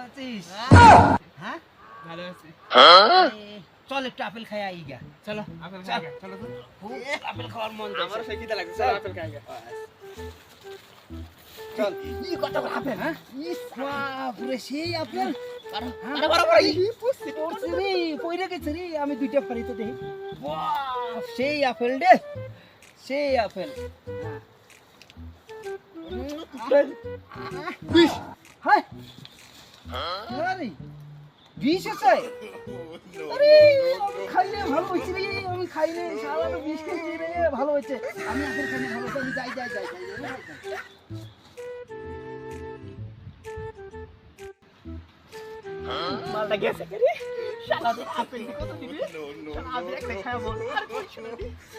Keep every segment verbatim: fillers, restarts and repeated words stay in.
আছিস? হ্যাঁ ভালো আছি। চল একটু আপেল খাই আই গা। চলো আপেল খাই গা, চলো তো। খুব আপেল খাওয়ার মন আমারও সেই খিদে লাগছে, চলো আপেল খাই গা। চল ই কত বড় আপেল হ্যাঁ ইস বাপ রে সেই আপেল আরে আরে বড় বড় ই পুষছি পড়ছে রে পইরা গেছে রে আমি দুইটা ফাড়ি তো দেখি বাহ সেই আপেল রে সেই আপেল বিশ। হাই আরে বিশ আছে আরে আমি খাইলে ভালো হচ্ছে রে আমি খাইলে শালা তো বিশ খেয়েছি রে ভালো হচ্ছে আমি আপেল খাইলে ভালো হচ্ছে আমি যাই যাই যাই যাই মালটা গেছে কে রে? শালা তো আপেল কত দিবি? শালা আপেল একটা খাবো আর কিছু না।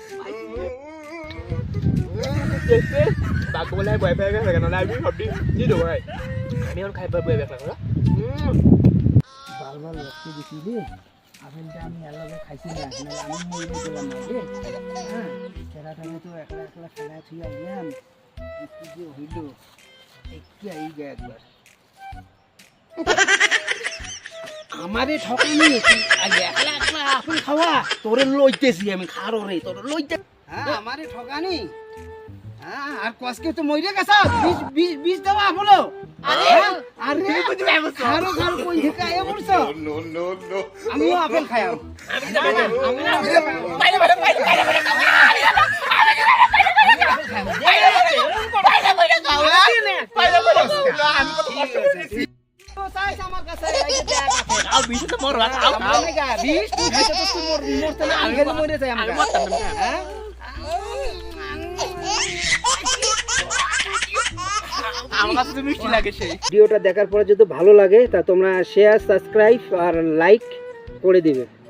দেখতে বাকু বলে ভয় পেয়ে গেছে কেন আমি ভাবছি জি দেবো ভাই আমি এখন খাই ভয় পেয়ে গেছে না বারবার লক্ষ্য দিছি রে আপেলটা আমি এলাকা খাইছি না নাহলে আমি মরে গেলাম না রে হ্যাঁ খেলাটাকে তো একলা একলা খেলা থুই আইলাম কি যে হইল একটু আই গে একবার আমারে ঠকানি একলা একলা আপেল খাওয়া তোরে লইতেছি আমি খারো রে তোরে লইতে হ্যাঁ আমারে ঠকানি হ্যাঁ আর কসকে তো মইরে গেছ বিষ বিষ বিষ দেওয়া হলো আরে আরে তুমি বুঝতে পারছো খারো খারো কই থেকে আয়া পড়ছো No, no, no. আমিও আপেল খাইম আমি না আমি না বাইরে বাইরে বাইরে বাইরে বাইরে আমি কত কষ্ট করেছি তো চাইছ আমার কাছে এই যে দেখ আপেল আর বিশ তো মর রাত আও আমি গা বিষ তুই খাইতে তো তুই মর মরতে না আমি খেলে মরে যাই আমি আমি মরতাম না হ্যাঁ আমার কাছে তো মিষ্টি লাগে সেই ভিডিওটা দেখার পরে যদি ভালো লাগে তা তোমরা শেয়ার সাবস্ক্রাইব আর লাইক করে দিবে।